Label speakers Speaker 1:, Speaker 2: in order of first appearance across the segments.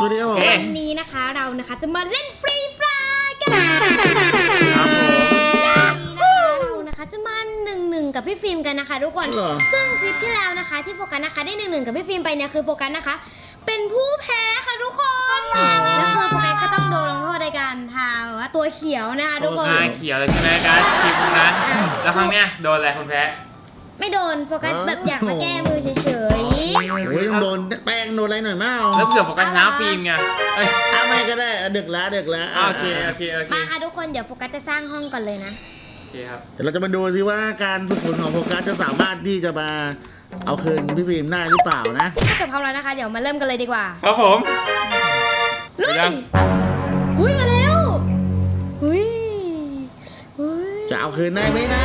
Speaker 1: วัสดีครับผม
Speaker 2: วันนี้นะคะเรานะคะจะมาเล่นฟรีไฟร์กัน
Speaker 1: ครับผม
Speaker 2: เรานะคะจะมา1-1กับพี่ฟิล์มกันนะคะทุกคนซึ่งคลิปที่แล้วนะคะที่โฟกัสนะคะได้1-1กับพี่ฟิล์มไปเนี่ยคือโฟกัสนะคะเป็นผู้แพ้ค่ะทุกคนแล้วคือโฟกัสก็ต้องโดนลงโทษในการทาว่าตัวเขียวนะคะทุกคน
Speaker 3: เขียวเลยใช่ไหมกันคลิปนั้นแล้วครั้งเนี้ยโดนอะไรคนแพ้
Speaker 2: ไม่โดนโฟกัสแบบอยากมาแก้มือเฉยๆ
Speaker 1: โอ้ยต้องโดนแป้งโดนอะไรหน่อยมั้ง
Speaker 3: แล้วเผื่อโฟกัสชนะฟิล์มไง
Speaker 1: ไม่ก็ได้ดึกแล้ว
Speaker 3: โอเค
Speaker 2: มาค่ะทุกคนเดี๋ยวโฟกัสจะสร้างห้องก่อนเลยนะ
Speaker 3: โอเคครับ
Speaker 1: เดี๋ยวเราจะมาดูซิว่าการฝึกฝนของโฟกัสจะสามารถที่จะมาเอาคืนพี่ฟิล์มได้หรือเปล่านะ
Speaker 2: ถ้าเกิดพร้อมแล้วนะคะเดี๋ยวมาเริ่มกันเลยดีกว่า
Speaker 3: ครับผม
Speaker 2: ลุยอุ้ยมาแล้วอุ้ย
Speaker 1: จะเอาคืนได้ไหมนะ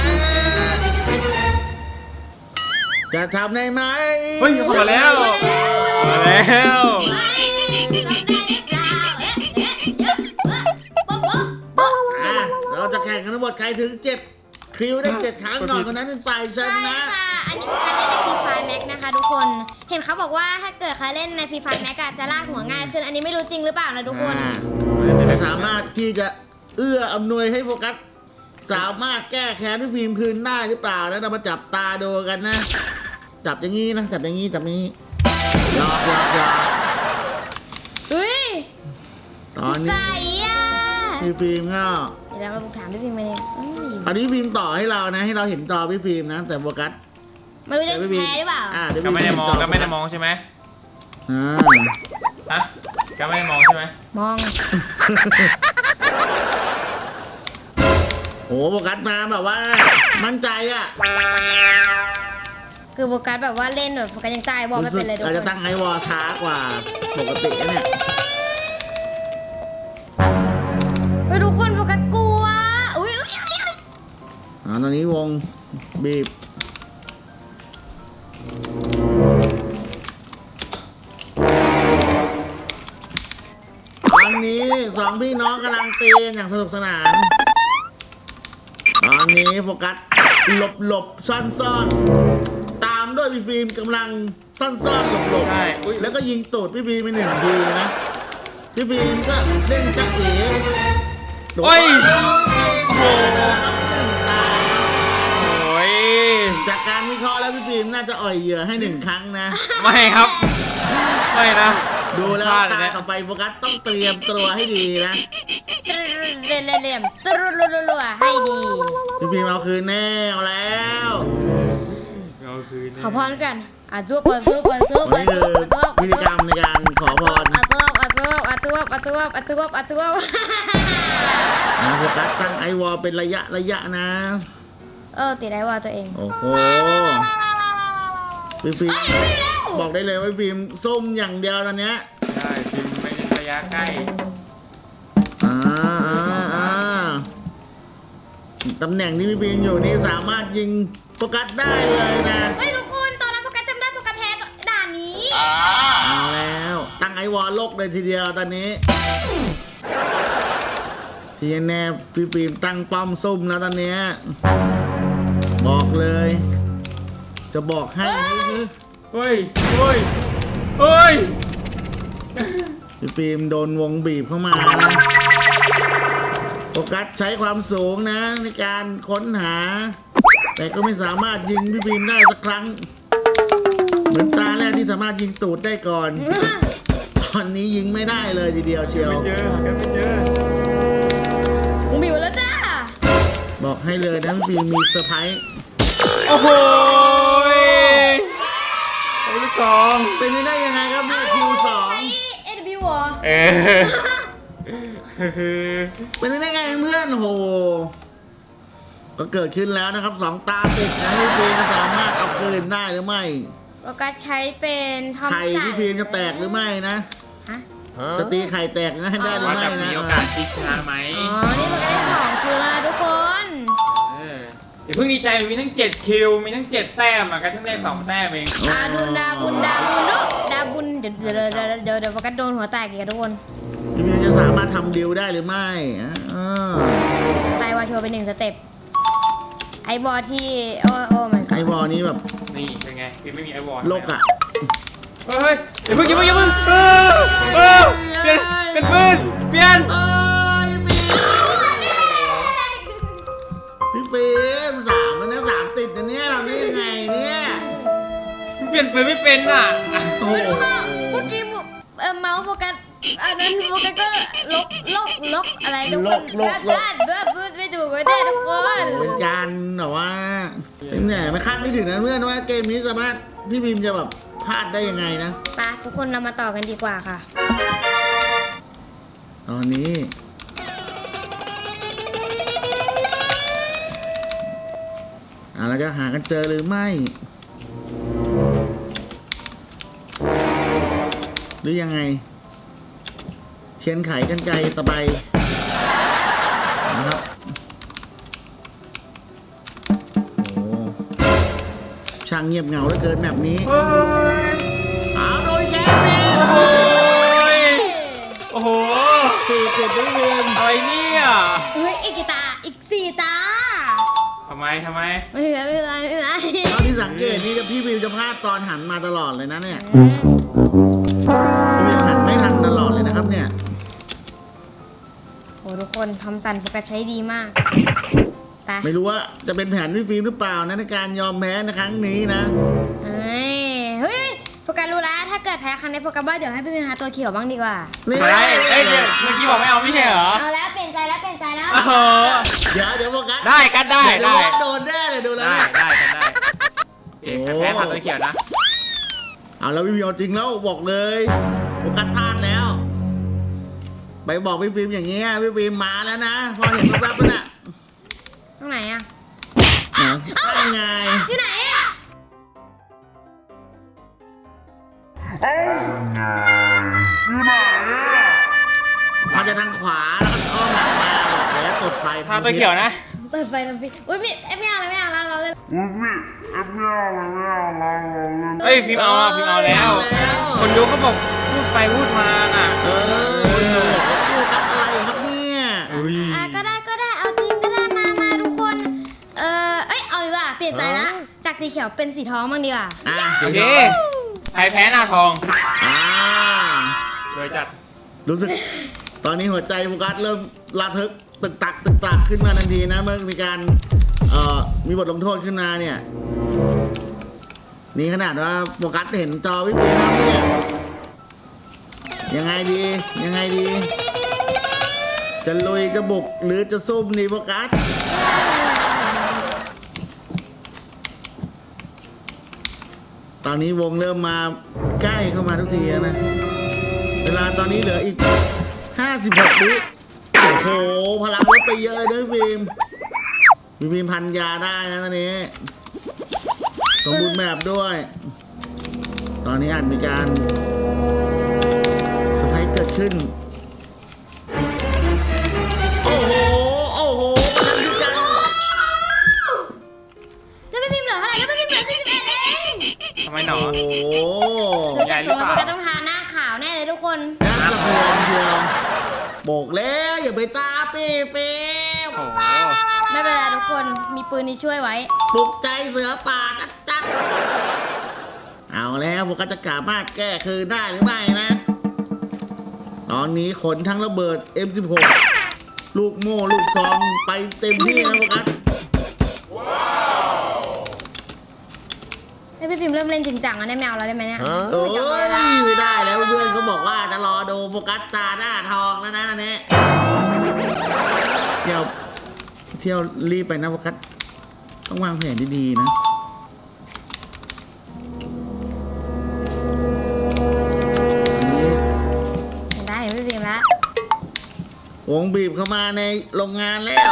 Speaker 1: จะทำได้ไหม
Speaker 3: เฮ้ยเข้ามาแล้ว
Speaker 1: เราจะแข่งกันทั้งหมดใครถึง7คิวได้7ครั้งก่อนคนนั้นเป็นฝ่ายชนะ
Speaker 2: อันนี้คือการเล่นในฟรีไฟร์แม็กนะคะทุกคนเห็นเขาบอกว่าถ้าเกิดใครเล่นในฟรีไฟร์แม็กจะลากหัวง่ายขึ้นอันนี้ไม่รู้จริงหรือเปล่านะทุกคน
Speaker 1: สามารถที่จะเอื้ออำนวยให้โฟกัสสามารถแก้แค้นที่ฟิล์มคืนได้หรือเปล่านะเรามาจับตาดูกันนะจับอย่างนี้นะจับอย่างนี้หยอก
Speaker 2: อุ้ย
Speaker 1: ตอนนี้พี่ฟิล์มก็
Speaker 2: เดี๋ยวเรามาถามพี่ฟิล์มเลย
Speaker 1: ตอนนี้พี่ฟิล์มต่อให้เรานะให้เราเห็นจอพี่ฟิล์มนะแต่โฟกัส
Speaker 2: ไม่รู้จะแพ้หรือเปล่า
Speaker 3: ก็ไม่ได้มองใช่ไหมฮะก็ไม่ได้มองใช่ไหม
Speaker 2: มอง
Speaker 1: โอ้โฟกัสมาแบบว่ามั่นใจอ่ะ
Speaker 2: คือโฟกัสแบบว่าเล่นแบบโฟกัสยังใจวอลไม่เป็นเลยทุกคน
Speaker 1: เราจะตั้งไอวอลช้ากว่าปกติเนี่ย
Speaker 2: ทุกคนโฟกัสกลัวอุ้ย
Speaker 1: ตอนนี้วงบีบตอนนี้สองพี่น้องกำลังตีอย่างสนุกสนานตอนนี้โฟกัสหลบซ่อนตามด้วยพี่ฟิล์มกำลังซ่อนหลบแล้วก็ยิงตูดพี่ฟิล์มไป1 ทีนะพี่ฟิล์มก็เล่นจักเอ๋
Speaker 3: โอ้โห
Speaker 1: จากการวิเคราะห์แล้วพี่ฟิล์มน่าจะอ่อยเหยื่อให้1 ครั้งนะ
Speaker 3: ไม่ครับไม่นะ
Speaker 1: ดูแล้วตาต่อไปโฟกัสต้องเตรียมตัวให้ดีนะ
Speaker 2: เล่มตรัวให้ดี
Speaker 1: พี่ฟิล์มเอาคืนแน่เอาแล้ว
Speaker 2: ขอพรกันจุ๊บนี่คือ
Speaker 1: พิธีกรรมในการขอพร
Speaker 2: จุ๊บ
Speaker 1: โฟกัสตั้งไอวอลเป็นระยะนะ
Speaker 2: ติดไอวอลตัวเอง
Speaker 1: โอ้โหพี่ฟิล์มบอกได้เลยว่าฟิล์มส้มอย่างเดียวตอนเนี้ย
Speaker 3: ใช่ฟิล์มไม่ใช่ระยะใกล้
Speaker 1: ตำแหน่งที่พี่ฟิล์มอยู่นี่สามารถยิงโฟกัสได้เลยนะ
Speaker 2: เฮ้ยทุกคนตอนนั้นโฟกัสจำได้โฟกัสแพ้ด่านนี้
Speaker 1: เอาแล้วตั้งไอวอลโลกเลยทีเดียวตอนนี้ที่แน่พี่ฟิล์มตั้งป้อมซุ่มแล้วตอนนี้บอกเลยจะบอกให้
Speaker 3: เฮ้ย
Speaker 1: พี่ฟิล์มโดนวงบีบเข้ามาโฟกัสใช้ความสูงนะในการค้นหาแต่ก็ไม่สามารถยิงพี่ฟิล์มได้สักครั้งเหมือนตาแรกที่สามารถยิงตูดได้ก่อนตอนนี้ยิงไม่ได้เลยทีเดียวเชียว
Speaker 3: ไม่เจอ
Speaker 2: วงบีบแล้วจ้า
Speaker 1: บอกให้เลยนะพี่ฟิล์มมีเซอร์ไพรส์
Speaker 3: โอ้โหลูกสอง
Speaker 1: เป็นได้ยังไงครับพี่คิว2เป็นได้ไงเพื่อนโหก็เกิดขึ้นแล้วนะครับ2 ตาติดนะพี่ฟิล์มสามารถเอาคืนได้หรือไม่
Speaker 2: โฟกัสใช้เป็นทอมสัน
Speaker 1: ไข่พี่ฟิล์มจะแตกหรือไม่นะจะตีไข่แตกนะให้ได้หรือไม่นะ
Speaker 3: มีโอกาสพลิกชนะไหม
Speaker 2: นี่โฟกัสได้2 คิวแล้วทุกคน
Speaker 3: อย่าเพิ่งดีใจมีทั้ง7 คิวมีทั้ง7 แต้มกันทั้งได้2 แต้มเอง
Speaker 2: ดาบุญเดี๋ยวโฟกัสโดนหัวแตกอีกทุกคน
Speaker 1: พี่ฟิล์มจะสามารถทำดิวได้หรือไม่
Speaker 2: ไอวอลโชว์เป็น1 สเต็ปไอบอลที่โอ้มัน
Speaker 1: ไอบอลนี้แบบ
Speaker 3: นี่เป็นไงพี่ไม่มีไอบอล
Speaker 1: โลกอ่ะ
Speaker 3: เฮ้ยอย่าเพิ่งเป็นปืนเปลี่ยน
Speaker 1: เอ้ยพี่ฟิล์มสามแล้วนะสามติดนะเนี่ยเราได้ยังไงเนี่ย
Speaker 3: เปลี่ยนปืนไม่เป็นอ่ะ
Speaker 1: โอ้โห
Speaker 2: เมื่อกี้เมาส์โฟกัสอันนั้นโฟกัสก็ลบอะไรทุกคนด้านไม่ถูกไม่ได้ทุกคน
Speaker 1: เป็นการแบบว่าเนี่ยไม่คาดไม่ถึงนะเพื่อนว่าเกมนี้สามารถพี่บีมจะแบบพลาดได้ยังไงนะ
Speaker 2: ไปทุกคนเรามาต่อกันดีกว่าค่ะ
Speaker 1: ตอนนี้เราจะหากันเจอหรือไม่ หรือยังไง เทียนไขกันไกรตะไบนะครับโอ้ช่างเงียบเหงาเหลือเกินแบบนี้
Speaker 3: เฮ้ย
Speaker 1: เอาโดยแกสิ
Speaker 3: โอ้โห
Speaker 1: สี่ติดด้วยเวียน
Speaker 3: อะไรเนี่ย
Speaker 2: เฮ้ยอีกกี่ตาอีก4 ตา
Speaker 3: ทำไม
Speaker 2: ไม่เป็นไร
Speaker 1: ตอนที่สังเกตนี่พี่วิวจะพลาดตอนหันมาตลอดเลยนะเนี่ยพี่วิวหันไม่ทันตลอดเลยนะครับเนี่ย
Speaker 2: โอ้ทุกคนทอมสันโฟกัสใช้ดีมากไป
Speaker 1: ไม่รู้ว่าจะเป็นแผนพี่ฟิล์มหรือเปล่านะในการยอมแพ้ในครั้งนี้นะ
Speaker 2: เฮ้ยโฟกัสรู้แล้วถ้าเกิดแพ้ครั้งนี้โฟกัสว่าเดี๋ยวให้พี่เป็นหาตัวเขียวบ้างดีกว่า
Speaker 1: นี่
Speaker 3: อะไรเอ้ยเดี๋ยวเมื่อกี้บอกไม่เอาไม่ใช่เหรอ
Speaker 2: เอาแล้วเปลี่ยนใจแล้ว
Speaker 3: โอ้โห
Speaker 1: เดี๋ยวโฟกัส
Speaker 3: ได้กันได้
Speaker 1: เดี๋ยว
Speaker 3: ได้
Speaker 1: โดนแน่เลยดูแล้ว
Speaker 3: ได้
Speaker 1: เนี่ย
Speaker 3: ได้กันได้โอเคแพ้ทางตัวเขียวนะ
Speaker 1: เอาแล้วพี่วิวเอาจริงแล้วบอกเลยโฟกัสพลาดแล้ว ไปบอกพี่ฟิล์มอย่างเงี้ยพี่ฟิล์มมาแล้วนะพอเห็นแว๊บๆแล้วน่ะ
Speaker 2: ตรงไหนอะ
Speaker 1: นะได้ไง
Speaker 2: อยู่ไหนอะ
Speaker 1: มันจะทางขวาแล้วก็อ้อมหลังมาบอกแล้วกดไฟ
Speaker 3: ทางตัวเขียวนะ
Speaker 2: เปิดไฟทำพี่อุ้ยไม่เอาแล้วเราเลย
Speaker 3: เฮ้ยฟิล์มเอาอะฟิล์มเอาแล้ว คนดูก็บอกพูดไปพูดมาอ่ะ
Speaker 1: เออโฟกัสอะไรครับเนี่ย
Speaker 3: อุ้ย
Speaker 2: ก็ได้เอาจริงก็ได้มาทุกคนเอาดีกว่าเปลี่ยนใจละจากสีเขียวเป็นสีทองบ้างดีกว่า
Speaker 1: อ่ะ
Speaker 3: โอเคใครแพ้หน้าทอง
Speaker 1: อ่า
Speaker 3: โดยจัด
Speaker 1: รู้สึก ตอนนี้หัวใจโฟกัสเริ่มระทึกตึกตักขึ้นมาทันทีนะเมื่อมีการมีบทลงโทษขึ้นมาเนี่ย นี่ขนาดว่าโฟกัสเห็นจอวิบีครับเนี่ยยังไงดี จะลุยจะบุกหรือจะซุ่มดีโฟกัส ตอนนี้วงเริ่มมาใกล้เข้ามาทุกทีแล้วนะ เวลาตอนนี้เหลืออีก 56 วิโอ้โห พลังลดไปเยอะเลยนะพี่ฟิล์มพันยาได้นะตอนนี้ สมบูรณ์แบบด้วย ตอนนี้อาจมีการสไพรส์เกิดขึ้น โอ้โหพลังที่จัง
Speaker 2: แล้วไม่พิมพ์เหลือเท่าไหร่แล้วไม่พิมพ์เหลือ41เอง
Speaker 3: ทำไมหนอ
Speaker 1: โอ้โห
Speaker 2: ดูจากโซนโฟกัสต้องทาหน้าขาวแน่เลยทุกคน
Speaker 1: น่าสะเทือนเชียวบอกแล้วอย่าไปตาปีฟิล์ม
Speaker 3: โอ้โห
Speaker 2: ไม่เป็นไรทุกคนมีปืนนี้ช่วยไว้
Speaker 1: ปลุกใจเสือป่าจัดเอาแล้วพวกก็จะสามารถแก้คืนได้หรือไม่นะ ตอนนี้ขนทั้งระเบิด M16 ลูกโม่ลูกซองไปเต็มที่นะพวกกัน
Speaker 2: แล้วพี่พิมพ์เริ่มเล่นจริงจังแล้วได้แมวแล้วได้ไหมเนี่ย
Speaker 1: โอ้ยไม่ได้แล้วเพื่อนเขาบอกว่าจะรอดูโฟกัสตาหน้าทองแล้วนะอันนี้เที่ยวรีบไปนะโฟกัสต้องวางแผนดีๆนะ
Speaker 2: ได้พี่พิมพ์ละ
Speaker 1: วงบีบเข้ามาในโรงงานแล้ว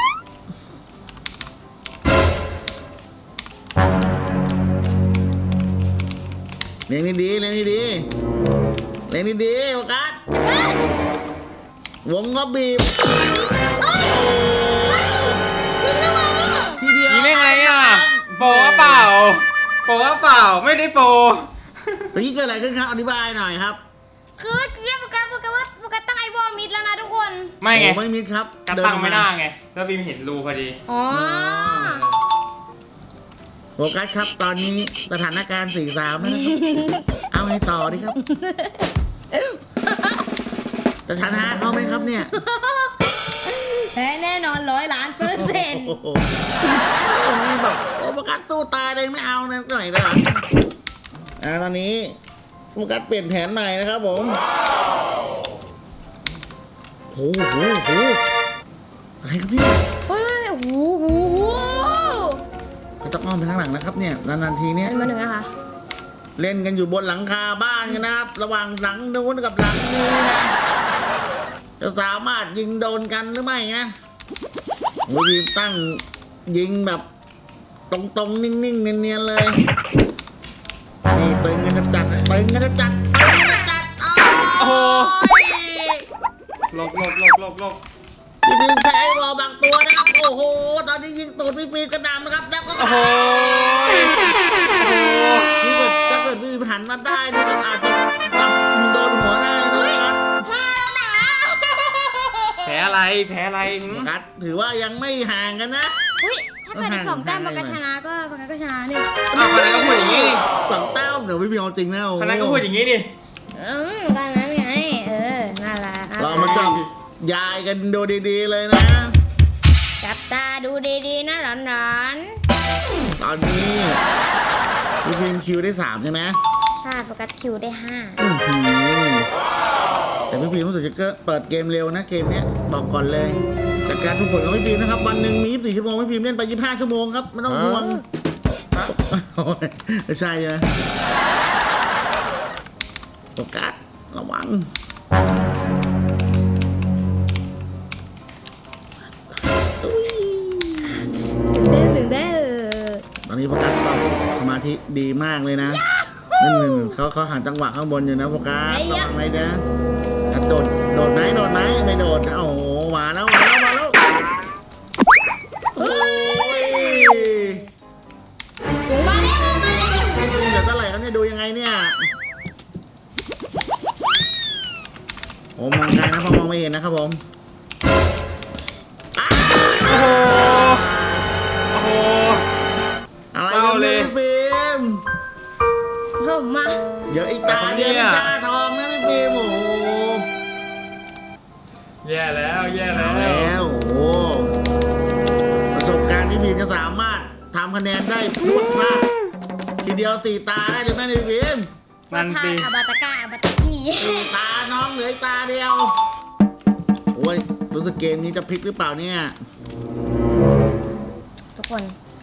Speaker 1: เล่นดีๆโฟกัสวงก็บีบทีเดียว
Speaker 3: ยิงได้ไงอ่ะโปรเปล่าไม่ได้โปร
Speaker 1: เมื่อกี้เกิดอะไรขึ้นครับอธิบายหน่อยครับ
Speaker 2: คือเมื่อกี้โฟกัสตั้งไอวอลมิดแล้วนะทุกคน
Speaker 3: ไม่ไง
Speaker 1: โอ้ไม่มิดครับ
Speaker 3: กันตั้งไม่ได้ไงแล้วฟิล์มเห็นรูพอดี
Speaker 2: อ๋อ
Speaker 1: โฟกัสครับตอนนี้สถานการณ์ 4-3 แล้วนะครับ เอาให้ต่อดิครับจะชนะเขาไหมครับเนี่ย
Speaker 2: แพ้แน่นอน100,000,000%
Speaker 1: โอ้โหนี่แบบโอ้โฟกัสสู้ตายเลยไม่เอานะหน่อยนะตอนนี้โฟกัสเปลี่ยนแผนใหม่นะครับผมโอ้โหอะไรครับพี่
Speaker 2: เฮ้ยโอ้โห
Speaker 1: ก็ต้องอ้อมไปข้างหลังนะครับเนี่ยนานๆทีเนี่ย
Speaker 2: มาหนึ่งนะคะ
Speaker 1: เล่นกันอยู่บนหลังคาบ้านกันนะครับ ระหว่างหลังนู้นกับหลังนี้นะจะสามารถยิงโดนกันหรือไม่นะโอ้ยตั้งยิงแบบตรงๆนิ่งๆเนียนๆเลยนี่ตึงกันจะจัดตึงกันจะจัด
Speaker 3: โอ้โห
Speaker 1: ห
Speaker 3: หลบ
Speaker 1: พี่บีมใช้ไอ้บอลบางตัวนะครับโอ้โหตอนนี้ยิงตูดพี่บีมกระดำนะครับแล้วก็
Speaker 3: โอ้โห
Speaker 1: นี่ถ้าเกิดพี่บีมหันมาได้นี่ก็อาจจะแบบโดนหัวได้นะครับ
Speaker 3: แพ้อะไรหึ
Speaker 1: กัดถือว่ายังไม่ห่างกันนะ
Speaker 2: อุ้ยถ้าเกิดอีก2 แต้มโฟกัสชนะก็โฟกัสก็ชนะนี่
Speaker 3: อ้าวคะแนนก็พูดอย่างนี้ดิ
Speaker 1: สองแต้มเดี๋ยวพี่บีมเอาจริงนะโอ้โห
Speaker 3: คะแนนก็พูดอย่างนี้ดิ
Speaker 2: ก็นั้นไงน่ารัก
Speaker 1: เรามาจับยายกันดูดีๆเลยนะ
Speaker 2: จับตาดูดีๆนะร้อน
Speaker 1: ตอนนี้พี่บีมคิวได้3ใช่ไหม
Speaker 2: ๆถ้าโฟกัสคิวได้5
Speaker 1: อื้อหือแต่พี่บีมรู้สึกจะเปิดเกมเร็วนะเกมเนี้ยบอกก่อนเลยจากการทุกผลของพี่บีมนะครับวันหนึ่งมี24 ชั่วโมงพี่บีมเล่นไป25 ชั่วโมงครับไม่ต้องห่วงโอ้ยไม่ใช่ใช่ไหมโฟกัสระวัง
Speaker 2: ถึงได้
Speaker 1: ตอนนี้โฟกัสตอบสมาธิดีมากเลยนะนั่นเขาหันจังหวะข้างบนอยู่นะโฟกัสระวังเลยนะโดดไหมไม่โดดโอ้โหมาแล้วโอ้ย
Speaker 2: มาแล้ว
Speaker 1: เดี๋ยวเท่าไหร่ครับเนี่ยดูยังไงเนี่ยโอ้มองไกลนะพอมองไม่เห็นนะครับผม
Speaker 3: โอ้โห
Speaker 1: อะไร
Speaker 3: เศร้าเลย
Speaker 1: พี่ฟิล์ม
Speaker 2: ผมมา
Speaker 1: เดี๋ยวอีกตาเดียววิชาทองนะพี่ฟิล์มโอ้โห
Speaker 3: แย่แล้ว
Speaker 1: แล้วโอ้โหประสบการณ์พี่ฟิล์มจะสามารถทำคะแนนได้พรวดพลาดทีเดียว4 ตาได้หรือไม่พี่ฟิล์ม
Speaker 3: นั่นสิ
Speaker 2: อาบาตะกาอาบาตะกี้
Speaker 1: 4 ตาน้องเหลืออีกตาเดียวโอ้ยรู้สึกเกมนี้จะพลิกหรือเปล่าเนี่ย
Speaker 2: ทุกคน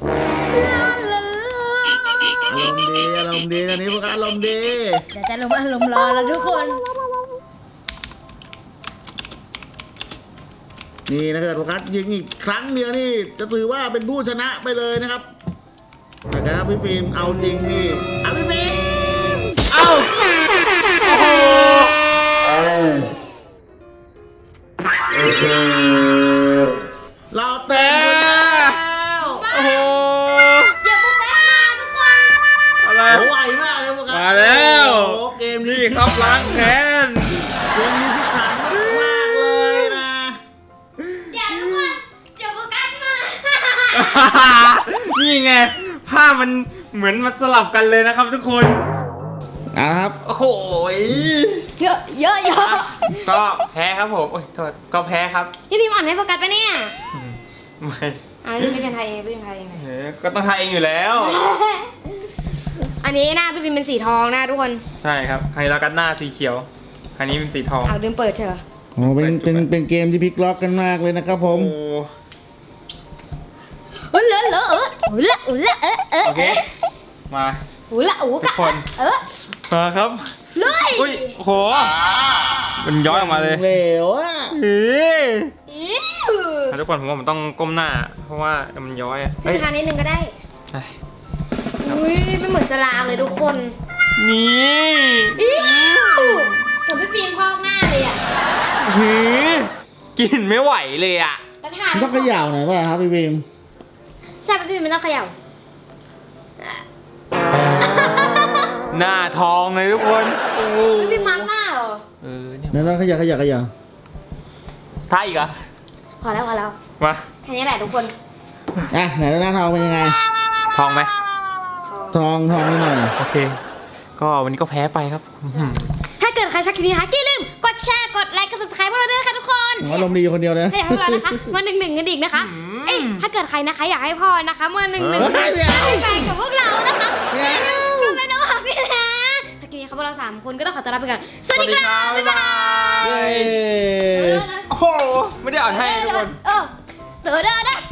Speaker 1: อารมณ์ดีตอนนี้พวกเราอารมณ์ดี
Speaker 2: เดี๋ยวจะลงอารมณ์รอแล้วทุกคน
Speaker 1: นี่ถ้าเกิดโฟกัสยิงอีกครั้งเดียวนี่จะถือว่าเป็นผู้ชนะไปเลยนะครับแต่ถ้าพี่ฟิล์มเอาจริงนี่เอาพี่ฟิล์ม
Speaker 3: เอ้าโอ้โห
Speaker 1: เราเต็มแล้ว
Speaker 3: โอ้โห
Speaker 2: เดี๋ยวโฟกัสมาทุกคน
Speaker 3: อะไร
Speaker 1: โอ้ไวมากเลยโฟกัส
Speaker 3: มาแล้ว
Speaker 1: โอ้เกมนี้
Speaker 3: นี่ครับล้างแค้น
Speaker 1: เกมนี้พิถันมากเลยนะ
Speaker 2: เดี๋ยวทุกคนเดี๋ยวโฟกัสมา
Speaker 3: นี่ไงภาพมันเหมือนมาสลับกันเลยนะครับทุกคน
Speaker 1: ครับ
Speaker 3: โอ้โห
Speaker 2: เยอะ
Speaker 3: ก็แพ้ครับผมโอ้ยโทษก็แพ้ครับ
Speaker 2: พี่พิมพ์อ่อนให้โฟกัสปะเนี่ย
Speaker 3: ไม่
Speaker 2: พี่เป็นไทยเองพี่เป็นไทยเอง
Speaker 3: ก็ต้องทายเองอยู่แล้ว
Speaker 2: อันนี้หน้าพี่พิมพ์เป็นสีทองนะทุกคน
Speaker 3: ใช่ครับใครเรากันหน้าสีเขียวอันนี้เป็นสีทอง
Speaker 2: เอาลืมเปิดเถอะ
Speaker 1: โอ้เป็นเกมที่พลิกล็อกกันมากเลยนะครับผม
Speaker 2: เลอะเลอะ
Speaker 3: โอเคมา ทุกคน มาครับ
Speaker 2: เลย
Speaker 3: อุ้ยโอ้โหมันย้อยออกมาเลย
Speaker 1: เหลวอ่ะ
Speaker 3: เฮ้ย
Speaker 2: อิ๊ว
Speaker 3: ทุกคนผมว่ามันต้องก้มหน้า เพราะว่ามันย้อยอะ
Speaker 2: ให้ทานนิดนึงก็ได้
Speaker 3: เฮ้ย
Speaker 2: อุ้ยเป็นเหมือนสลามเลยทุกคน
Speaker 3: นี่
Speaker 2: อิ๊วผมพี่ฟิล์มพอกหน้าเลยอ่ะ
Speaker 3: หือกินไม่ไหวเลยอ่ะ
Speaker 2: กระถาง
Speaker 1: ต้องเขย่าหน่อยป่ะครับพี่บีม
Speaker 2: ใช่พี่ฟิล์มไม่ต้องเขย่า
Speaker 3: หน้าทองเลยทุกคนโอ้โห
Speaker 2: พี่ฟิล์มมาร์กหน้าเหรอ
Speaker 3: เนี่ย
Speaker 1: นั่นเขย่า
Speaker 3: ท่าอีกเหรอ
Speaker 2: พอแล้ว
Speaker 3: มา
Speaker 2: แค่นี้แหละทุกคน
Speaker 1: อ่ะไหนหน้าทองเป็นยังไง
Speaker 3: ทองไหม
Speaker 1: ทองนิดหน่อย
Speaker 3: โอเค ก็วันนี้ก็แพ้ไปครับ
Speaker 2: ถ้าเกิดใครชอบคลิปนี้นะคะอย่าลืมกดแชร์กดไลค์กด subscribe พวกเราด้วยนะคะทุกคน
Speaker 1: อารมณ์ดีคนเดียวเลย
Speaker 2: ให้พวกเรานะคะมา1-1กันอีกนะคะเอ้ยถ้าเกิดใครนะคะอยากให้พ่อนะคะมา1-1ไปกับพวกเรานะคะคือเป็นน้องหักนี่นะถ้ากินนี้ครับพวกเรา3คนก็ต้องขอตัวลาไปก่อนสวัสดีครับบ๊ายบาย
Speaker 1: เย้
Speaker 3: โอ้โหไม่ได้อ่านให้ทุกคน
Speaker 2: เด้อ